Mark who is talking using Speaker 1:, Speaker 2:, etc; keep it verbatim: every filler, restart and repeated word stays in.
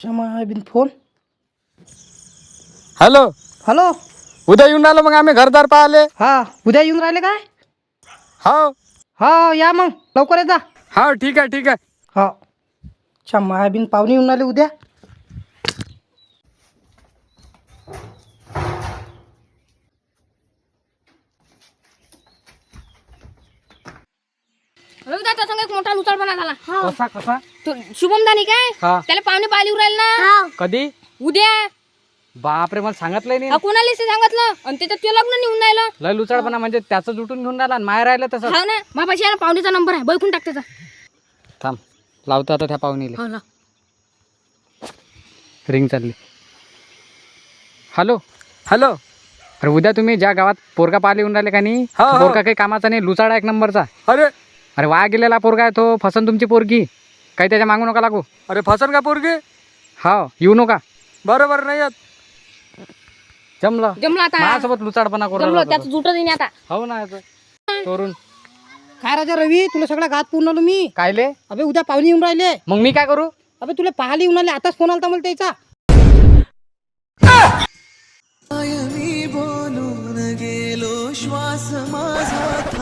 Speaker 1: क्षमा बिन phone.
Speaker 2: Hello,
Speaker 1: hello.
Speaker 2: उद्या येऊन राहिलो मग आम्ही घरदार पाहिले.
Speaker 1: हा उद्या येऊन राहिले काय?
Speaker 2: हो
Speaker 1: हा या मग लवकर ये जा.
Speaker 2: हो ठीक आहे ठीक आहे.
Speaker 1: हा क्षमा बिन पाहुणे येऊन राहिले उद्या.
Speaker 3: रविदाचा संग एक मोठा लुचाळपणा झाला.
Speaker 2: कसा कसा
Speaker 3: तो शुभम दानी काय
Speaker 2: हा.
Speaker 3: त्याला पाहुणे पाहिली राहील ना
Speaker 2: कधी?
Speaker 3: उद्या.
Speaker 2: बापरे, मला सांगितलंय नाही.
Speaker 3: हा कोणाला सांगितलं आणि त्याच्यात ते लग्न निघून राहिलं.
Speaker 2: लय लुचाळपणा म्हणजे त्याचं जुटून घेऊन राहिला आणि माय राहिलं तसं.
Speaker 3: हा ना बाबाशी आहे ना पाहुणेचा नंबर आहे बैकून टाक त्याचा.
Speaker 2: थांब लावतो आता त्या पाहुणीला.
Speaker 3: हो ना.
Speaker 2: रिंग चालली. Hello hello. अरे उद्या तुम्ही ज्या गावात पोरगा पाहिले येऊन राहिले का नाही, पोरगा काही कामाचा नाही, लुचाडा एक नंबरचा. अरे अरे वाया गेलेला पोरगा आहे तो. फसन तुमची पोरगी. काही त्याच्या मागू नका लागू. अरे फसन का पोरगी? हा येऊ नका. बरोबर नाही येत. जमलं
Speaker 3: जमलं आता.
Speaker 2: माझ्यासोबत लुचाडपणा करू
Speaker 3: जमलं
Speaker 2: राहिला
Speaker 3: त्याचं
Speaker 2: तो.
Speaker 3: जुटत नाही आता.
Speaker 2: हो ना याचं चोरून.
Speaker 1: काय राजा रवी, तुला सगळा गात पूर्ण आलो मी.
Speaker 2: कायले?
Speaker 1: अबे उद्या पाहुणे येऊन राहिले.
Speaker 2: मग मी काय करू?
Speaker 1: अबे तुला पाहायला येऊन राहिले. आताच फोन आलता मला त्याचा.
Speaker 4: बोलून गेलो श्वास माझा